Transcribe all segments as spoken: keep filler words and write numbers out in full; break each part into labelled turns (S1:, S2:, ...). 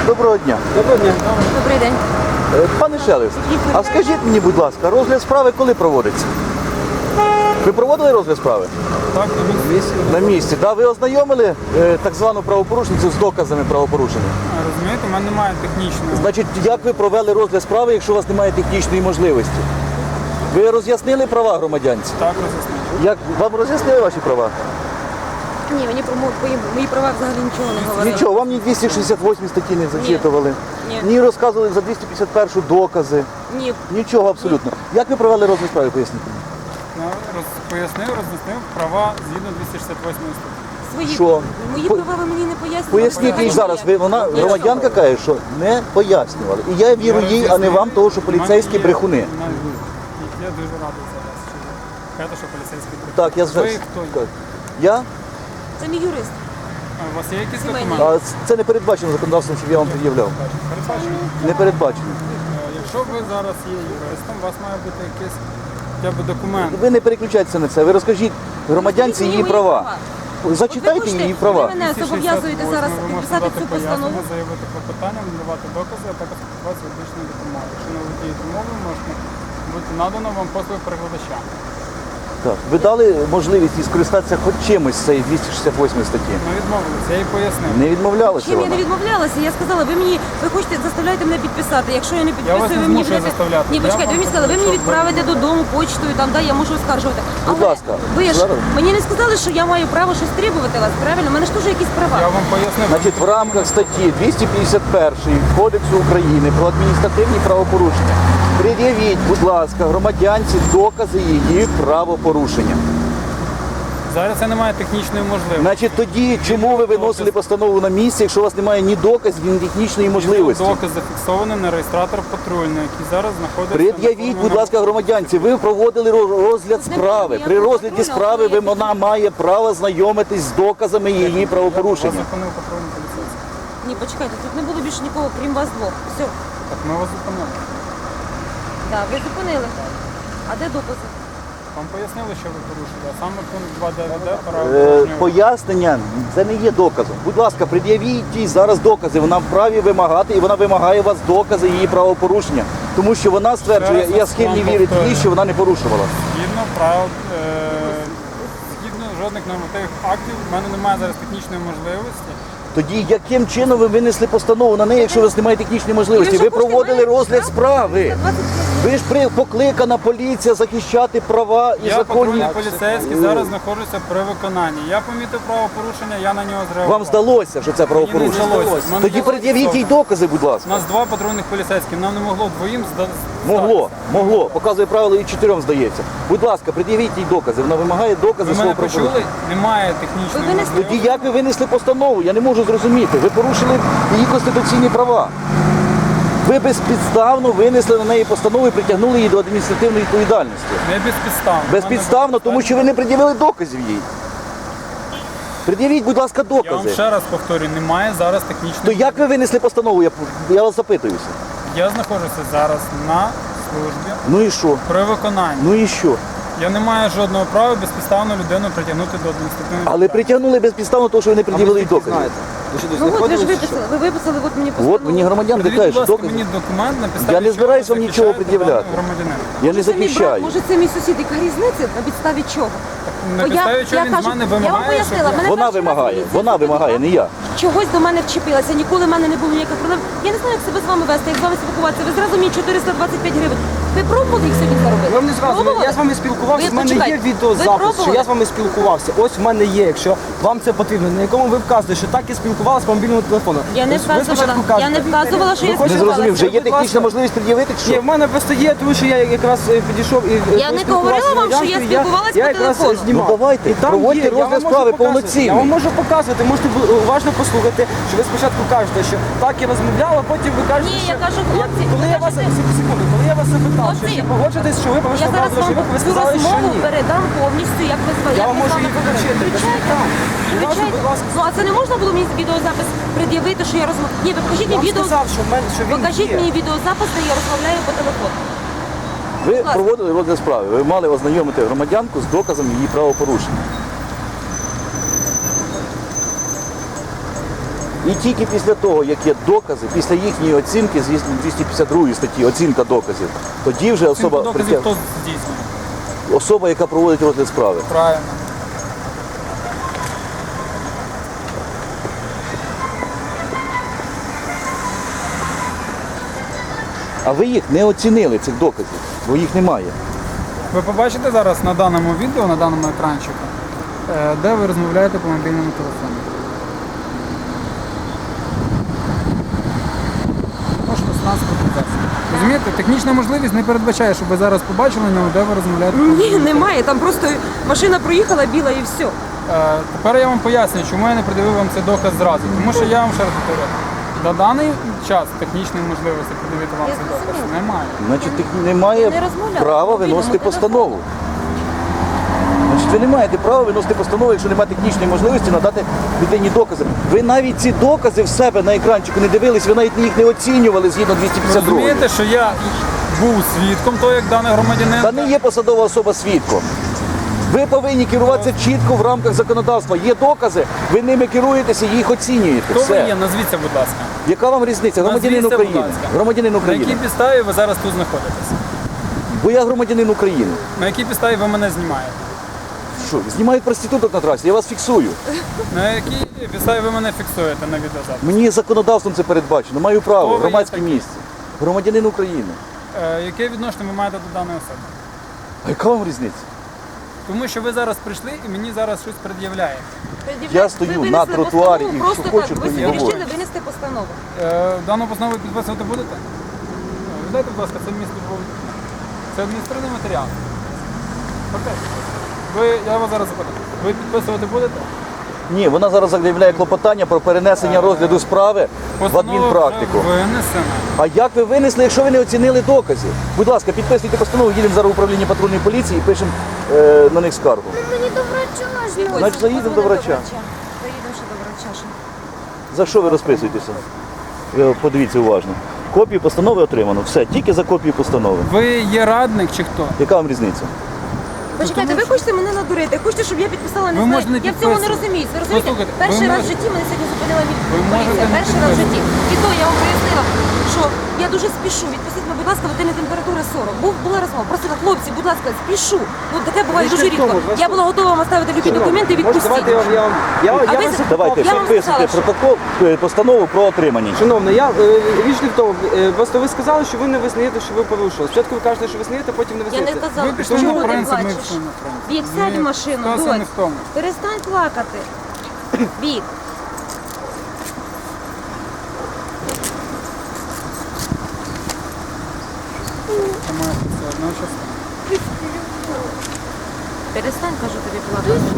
S1: Доброго дня.
S2: Доброго дня.
S3: Добрий день.
S1: Е, Пане Шелест, а скажіть мені, будь ласка, розгляд справи коли проводиться? Ви проводили розгляд справи?
S2: Так, на місці.
S1: На місці. Да? Ви ознайомили е, так звану правопорушницю з доказами правопорушення?
S2: Розумієте, у мене немає технічної.
S1: Значить, як ви провели розгляд справи, якщо у вас немає технічної можливості? Ви роз'яснили права громадянці?
S2: Так, роз'яснити.
S1: Як вам роз'яснили ваші права?
S3: Ні, мені про мої, мої права взагалі нічого не говорили.
S1: Нічого, вам ні двісті шістдесят восьмій статті не зачитували,
S3: Ні.
S1: ні розказували за двісті п'ятдесят першу докази.
S3: Ні.
S1: Нічого абсолютно. Як ви провели розгляд справи, поясніть мені?
S2: Ну, роз, пояснив, роз'яснив права згідно двісті шістдесят восьмої статті.
S3: Свої
S1: Що?
S3: Мої
S1: По-
S3: права ви мені не пояснювали.
S1: Поясніть їй зараз, ви, вона
S3: Ні.
S1: громадянка каже, що не пояснювали. І я вірю
S2: Я
S1: їй, а не
S2: роз'яснив.
S1: вам, того, що поліцейські
S2: У мене є-
S1: брехуни.
S2: у мене є. Я дуже радий за вас. що ви кажете, що поліцейські брехуни.
S1: Так, я
S2: Ви
S1: звертаюся.
S2: хто є?
S1: Я?
S3: Це мій юрист.
S2: А у вас є якісь
S3: Сімейний.
S2: документи?
S1: А це не передбачено законодавством, щоб я вам пред'являв.
S2: Передбачено.
S1: Не передбачено.
S2: Е, Якщо ви зараз є юристом, у вас має бути якийсь хоча б документ.
S1: Ви не переключайтеся на це. Ви розкажіть громадянці
S3: Мені
S1: її
S3: мої
S1: права.
S3: От
S1: Зачитайте
S3: ви хочете,
S1: її права.
S3: Ви мене зобов'язуєте зараз
S2: Ви можете
S3: підписати
S2: дати
S3: цю постанову.
S2: пояснення, заявити клопотання, надавати докази, а також спілкуватися юридичною допомогою. Якщо не володієте мовою, можете бути надано вам послуги перекладача.
S1: Так. Ви дали можливість їй скористатися хоч чимось з цієї двісті шістдесят восьмої статті?
S2: Ми відмовилися, я їй пояснив.
S1: Не відмовлялася
S3: Чим я не
S1: вона?
S3: відмовлялася? Я сказала, ви мені, ви хочете, заставляєте мене підписати. Якщо я не підписую,
S2: вас не
S3: ви мені
S2: змушую
S3: будете-
S2: заставляти.
S3: Ні,
S2: Я
S3: почекайте, ви
S2: вам
S3: мені сказали, ви мені
S2: що
S3: відправите
S2: ви-
S3: додому почтою, там, да, я можу оскаржувати.
S1: Будь
S3: Але
S1: ласка,
S3: ви ж
S1: зараз.
S3: мені не сказали, що я маю право щось требувати вас, правильно? У мене ж теж якісь права.
S2: Я вам пояснив.
S1: Значить, в рамках статті двісті п'ятдесят першої Кодексу України про адміністративні правопорушення пред'явіть, будь ласка, громадянці докази її правопорушення.
S2: Зараз це немає технічної можливості.
S1: Значить, тоді чому ви виносили постанову на місце, якщо у вас немає ні доказів, ні технічної можливості?
S2: Доказ зафіксований на реєстратор патрульний, який зараз знаходиться...
S1: Пред'явіть,
S2: на
S1: будь ласка, громадянці, ви проводили ро- розгляд
S3: Тут не
S1: справи.
S3: було
S1: При
S3: ніякого
S1: розгляді
S3: патрульного,
S1: справи ви-
S3: коли я
S1: вона має право знайомитись з доказами її
S2: Вас
S1: правопорушення.
S2: зупинив патрульний поліцейський.
S3: Ні, почекайте, тут не було більше нікого, крім вас двох. Все.
S2: Так, ми вас зупинили.
S3: Так, ви зупинили. А де докази?
S2: Вам пояснили, що ви порушили, а саме пункт два дев'ять де право
S1: Е,
S2: дорожнього.
S1: Пояснення це не є доказом. Будь ласка, пред'явіть їй зараз докази. Вона вправі вимагати, і вона вимагає у вас докази її правопорушення. Тому що вона стверджує,
S2: Ще раз
S1: я схильний
S2: вам
S1: вірити їй,
S2: повторюю.
S1: що вона не порушувала.
S2: Згідно прав, е, згідно жодних нормативних актів, в мене немає зараз технічної можливості.
S1: Тоді яким чином ви винесли постанову на неї, якщо у вас немає технічної можливості? Ви проводили розгляд справи. Ви ж при покликана поліція захищати права і
S2: Я
S1: законні.
S2: патрульний поліцейський, зараз знаходжуся при виконанні. Я помітив правопорушення, я на нього зреагував.
S1: Вам здалося, що це правопорушення?
S2: Мені не здалося. Мене
S1: Тоді
S2: було
S1: пред'явіть їй
S2: зафіксовано.
S1: докази, будь
S2: У
S1: ласка.
S2: нас два патрульних поліцейських, нам не могло двоїм зда...
S1: Могло, могло. Показує правило і чотирьом здається. Будь ласка, пред'явіть їй докази. Вона вимагає докази
S2: Ви
S1: свого
S2: мене
S1: правопорушення.
S2: почули? Немає технічної
S3: Ви винесли-
S2: можливості.
S1: Тоді як ви винесли постанову? Я не можу зрозуміти. Ви порушили її конституційні права. Ви безпідставно винесли на неї постанову і притягнули її до адміністративної відповідальності.
S2: Не безпідставно.
S1: Безпідставно, тому що ви не пред'явили доказів їй. Пред'явіть, будь ласка,
S2: Я вам
S1: докази.
S2: ще раз повторюю, немає зараз
S1: То
S2: технічної.
S1: як ви винесли постанову? Я, я вас запитуюся.
S2: Я знаходжуся зараз на службі
S1: Ну і що?
S2: при виконанні.
S1: Ну і що?
S2: Я не маю жодного права безпідставно людину притягнути до адміністративної.
S1: Але притягнули безпідставно, тому що ви не пред'явили їй доказів.
S3: Ну от ви ж виписали, ви виписали, от мені постанову.
S1: От мені громадянка
S2: Подивіть,
S1: каже,
S2: будь
S1: що
S2: ласка,
S1: докази.
S2: мені документ на підставі
S1: Я не
S2: чого
S1: збираюсь вам
S2: ви
S1: нічого
S2: захищаєте
S1: пред'являти.
S2: даного громадянина.
S1: Я не
S3: Може, це мій брат,
S1: захищаю.
S3: може це мій сусід, яка різниця? На підставі чого?
S2: На
S3: Бо я-
S2: підставі чого
S3: я
S2: він
S3: кажу,
S2: з мене
S3: я вам
S2: вимагає,
S3: пояснила,
S2: щоб...
S3: мене
S1: Вона
S3: перший раз
S1: вимагає,
S3: поліція
S1: вона
S3: зупинила.
S1: вимагає, не я.
S3: Чогось до мене вчепилася, ніколи в мене не було ніяких проблем. Я не знаю, як себе з вами вести, як з вами спілкуватися. Ви зразу мені чотириста двадцять п'ять гривень. Ви пробували їх сьогодні заробити?
S4: Ви не зразу,
S3: Пробували?
S4: я з вами спілкувався,
S3: Ви
S4: в мене є
S3: почекайте, ви
S4: відеозапис, що
S3: пробували?
S4: я з вами спілкувався. Ось в мене є, якщо вам це потрібно, на якому ви вказуєте, що так я спілкувалася по мобільному телефону.
S3: Я не
S4: Ви спочатку
S3: вказувала,
S4: кажете,
S3: я не вказувала, що я
S4: ви хочете-
S1: Не зрозумів, вже є
S4: Будь ласка.
S1: технічна можливість пред'явити чи
S4: Ні,
S1: що?
S4: в мене просто є, тому що я якраз е, підійшов і е,
S3: Я не
S4: поспілкувався
S3: говорила
S4: з
S3: вам, що я
S4: громадянкою,
S3: спілкувалась
S4: я
S3: по
S4: якраз
S3: телефону.
S4: знімав.
S1: Ну, давайте,
S4: І там
S1: проводьте
S4: є, я
S1: розгляд
S4: вам можу
S1: справи
S4: показувати.
S1: повноцінний.
S4: Я вам можу показувати, можете ви уважно послухати, що ви спочатку кажете, що так я розмовляла, потім ви кажете,
S3: Ні,
S4: що...
S3: я кажу, хлопці,
S4: коли
S3: ви
S4: я вас,
S3: кажете-
S4: секунду, коли я вас запитав, що
S3: Хлопці,
S4: чи погоджуєтесь, що ви
S3: Я
S4: повинні
S3: зараз
S4: брати
S3: вам
S4: грошовик, ви
S3: цю
S4: сказали, що
S3: розмову
S4: ні.
S3: передам повністю, як ви звали.
S4: Я
S3: як
S4: вам
S3: ми з
S4: можу
S3: вами
S4: її
S3: говорили.
S4: включити, без
S3: Включайте.
S4: питань.
S3: Включайте.
S4: Будь ласка.
S3: Ну а це не можна було мені відеозапис пред'явити, що я розмовляю? Ні, ви покажіть
S4: Я
S3: мені
S4: вам
S3: відео.
S4: сказав, що, в мене, що він
S3: Покажіть
S4: є.
S3: мені відеозапис, де я розмовляю по телефону.
S1: Ви
S3: ласка.
S1: проводили розгляд справи, ви мали ознайомити громадянку з доказом її правопорушення. І тільки після того, як є докази, після їхньої оцінки, звісно, двісті п'ятдесят другої статті, оцінка доказів, тоді вже особа,
S2: Оцінку доказів
S1: притяг-
S2: хто здійснює?
S1: особа, яка проводить розгляд справи.
S2: Правильно.
S1: А ви їх не оцінили, цих доказів, бо їх немає.
S2: Ви побачите зараз на даному відео, на даному екранчику, е, де ви розмовляєте по мобільному телефону. Можливо, транспортний засіб. Розумієте, технічна можливість не передбачає, щоб ви зараз побачили, ну, де ви розмовляєте. по
S3: Ні,
S2: мобільному
S3: немає. Там просто машина проїхала біла і все.
S2: Е, Тепер я вам поясню, чому я не придивив вам цей доказ зразу. Тому що я вам ще раз повторю, на даний час технічної можливості придивити вам
S3: Я
S2: цей доказ
S3: зрозуміла.
S2: немає.
S1: Значить, тих немає
S3: Я не розмовляла
S1: права
S3: по мобільному
S1: виносити
S3: телефону.
S1: постанову. Значить, ви не маєте права виносити постанову, якщо немає технічної можливості надати людині докази. Ви навіть ці докази в себе на екранчику не дивились, ви навіть їх не оцінювали згідно двісті
S2: Ви
S1: п'ятдесят другої.
S2: розумієте, що я був свідком того, як даний громадянин.
S1: Та не є посадова особа свідком. Ви повинні керуватися чітко в рамках законодавства. Є докази, ви ними керуєтеся і їх оцінюєте.
S2: Хто ви
S1: Все.
S2: є? Назвіться, будь ласка.
S1: Яка вам різниця? Громадянин
S2: Назвіться, будь
S1: України.
S2: ласка.
S1: Громадянин
S2: На якій
S1: України.
S2: підставі ви зараз тут знаходитесь?
S1: Бо я громадянин України.
S2: На якій підставі ви мене знімаєте?
S1: Що, знімають проституток на трасі, я вас фіксую.
S2: На якій підставі ви мене фіксуєте на відеозапис?
S1: Мені законодавством це передбачено. Маю
S2: Хто
S1: право,
S2: ви
S1: в громадське
S2: є такий?
S1: місце. Громадянин України.
S2: Е, яке відношення ви маєте до даної особи?
S1: А яка вам різниця?
S2: Тому що ви зараз прийшли і мені зараз щось пред'являєте.
S1: Я стою
S3: Ви
S1: на
S3: винесли
S1: тротуарі
S3: постанову,
S1: і
S3: просто
S1: що хочу,
S3: так.
S1: то
S3: Ви
S1: і
S3: собі
S1: говорю.
S3: вирішили винести постанову.
S2: Е, дану постанову підписувати будете? Е, Віддайте, будь ласка, це місто було. Це адміністративний матеріал. Окей. Ви, я вас зараз запитаю. Ви підписувати будете?
S1: Ні, вона зараз заявляє клопотання про перенесення розгляду справи в
S2: Постанова
S1: адмінпрактику.
S2: вже винесена.
S1: А як ви винесли, якщо ви не оцінили докази? Будь ласка, підписуйте постанову, їдемо зараз в управління патрульної поліції і пишемо е, на них скаргу.
S5: Мені до врача ж.
S3: Ось,
S1: Значить, заїдемо до врача.
S3: Заїдемо ще до врача. ще.
S1: За що ви розписуєтеся? Ви подивіться уважно. Копію постанови отримано. Все, тільки за копію постанови.
S2: Ви є радник чи хто?
S1: Яка вам різниця?
S3: Почекайте, ви хочете мене надурити, хочете, щоб я підписала не
S2: Ви
S3: знаю.
S2: можете не
S3: Я в цьому не
S2: підписувати.
S3: розумію. Ви розумієте?
S2: Послухайте,
S3: Перший
S2: ви
S3: раз в
S2: можете-
S3: житті мене сьогодні зупинила
S2: Ви
S3: поліція.
S2: можете не
S3: Перший раз в житті.
S2: підписувати.
S3: І то я вам пояснила, що я дуже спішу. Відпустіть мене, будь ласка, ведення температури сорок. Був, була розмова. Просила, хлопці, будь ласка, спішу. Ну таке буває дуже рідко. Я була готова вам ставити любі документи і
S4: Може,
S3: відпустити.
S4: давайте я вам я вам я,
S3: А
S4: я
S3: ви
S4: вас
S3: за-
S1: Давайте,
S3: Я вам
S1: підписуйте
S3: сказала, що-
S1: протокол, е, постанову про отримання.
S4: Шановна, я е, річ не в тому. Е, Просто ви сказали, що ви не визнаєте, що ви порушили. Спочатку ви кажете, що визнаєте, потім не
S3: Я
S4: визнаєте.
S3: не казала,
S2: Ви пішли
S3: чому
S2: на
S3: ти
S2: принцип, ми
S3: плачеш?
S2: пішли на принцип.
S3: Вік, сядь в
S2: Ні,
S3: машину,
S2: ситуація не
S3: дось.
S2: в тому.
S3: Перестань плакати. Вік.
S2: Це моя це одна частина.
S3: Перестань, кажу тобі плакати.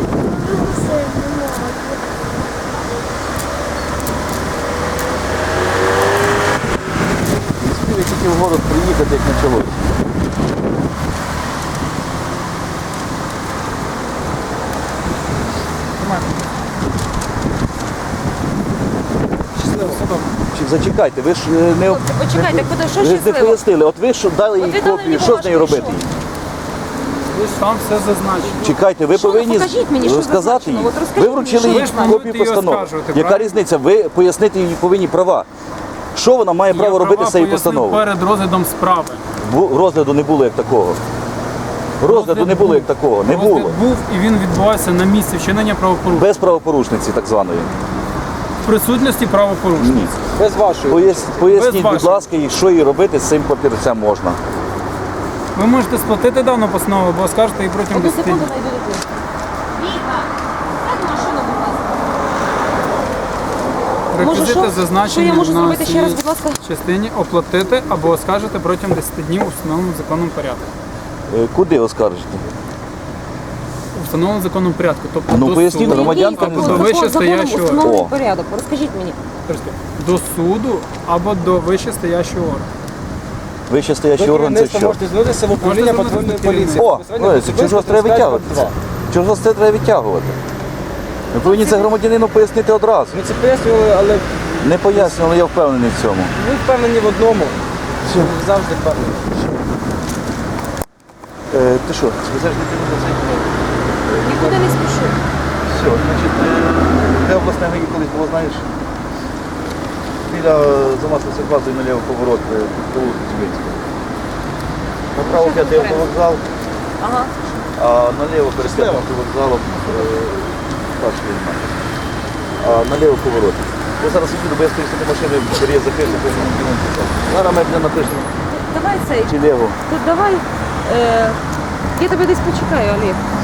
S1: Не спів, як тільки в город приїхати, як почалось.
S2: Тримайте.
S4: Щасливо.
S2: Все добре.
S1: Чи зачекайте, ви ж е, не,
S3: Хлопці, почекайте, куди, що
S1: ви ж не
S3: щасливо?
S1: пояснили. От ви ж дали
S3: От
S1: їй
S3: ви дали
S1: копію,
S3: мені
S1: що з нею
S3: бумажку, і
S1: робити?
S3: що?
S2: Ви ж там все зазначено.
S1: Чекайте, ви
S3: Що ви
S1: повинні
S3: покажіть мені, що
S1: розказати їй.
S3: зазначено? От розкажіть
S1: Ви
S3: мені,
S1: вручили
S3: що
S1: їй
S2: ви ж плануєте
S1: копію
S2: її
S1: постанови.
S2: оскаржувати,
S1: Яка
S2: правильно?
S1: різниця? Ви пояснити їй повинні права. Що вона має право
S2: Я
S1: робити
S2: права
S1: з цією
S2: пояснив
S1: постановою?
S2: перед розглядом справи.
S1: Бу- Розгляду не було як такого. Розгляду
S2: Розгляд
S1: не було
S2: був.
S1: як такого. Не
S2: Розгляд
S1: було.
S2: був і він відбувався на місці вчинення правопорушення.
S1: Без правопорушниці так званої.
S2: В присутності правопорушення.
S1: Ні.
S4: Без вашої.
S1: Пояс- Поясніть, будь
S2: вашої.
S1: ласка, їй, що їй робити з цим папірцем можна.
S2: Ви можете сплатити дану постанову, або скажете її протягом
S3: Одну
S2: десяти
S3: секунду
S2: днів.
S3: найду до тебе. Віка, сядь в машину, будь ласка. Може,
S2: Реквізити
S3: що?
S2: зазначені
S3: Що я можу
S2: на
S3: зробити ще раз,
S2: цій
S3: будь ласка?
S2: частині оплатити або оскаржити протягом десяти днів у встановленому законом порядку.
S1: Е, Куди оскаржити?
S2: У встановленому законом порядку. Тобто
S1: Ну,
S2: до
S1: поясніть,
S2: суду.
S1: громадянка
S3: Який
S1: не
S2: До
S1: знає.
S3: закон- законом
S2: вищестоящого
S3: установлений
S1: О.
S3: порядок. Розкажіть мені.
S2: До суду або до вищестоящого органу.
S1: Вище стоячий
S4: Ви
S1: орган це
S4: керівництво
S1: що?
S4: можете звернутися в управління
S2: Можете
S4: патрульної
S2: звернутися
S4: поліції.
S1: О,
S4: Безпосередньо
S1: ну,
S4: особисто
S1: чого ж треба
S4: тридцять
S1: відтягувати?
S4: два.
S1: Чого ж це треба відтягувати? Ви повинні це громадянину пояснити одразу.
S4: Ми це пояснювали, але
S1: Не пояснювали, я впевнений в цьому.
S4: ви впевнені в одному. Ви завжди впевнені.
S1: Е, ти що, везеш дитину до цей?
S3: Нікуди не спішу.
S1: Все, значить, е, де обласне ГАІ колись було, знаєш? біля замаслися базою наліво поворот е, по вулиці Цибинського. Направо
S3: Що
S1: п'ятий
S3: це
S1: автовокзал,
S3: Ага.
S1: а наліво перед п'ятим автовокзалом е, старший ліман. А наліво поворот. Я зараз їду, бо я стою з машини, переїзд закритий, то я не можу писати. Зараз ми для напишемо
S3: Давай цей.
S1: чи ліво.
S3: Тут давай. Е, я тебе десь почекаю, Олег.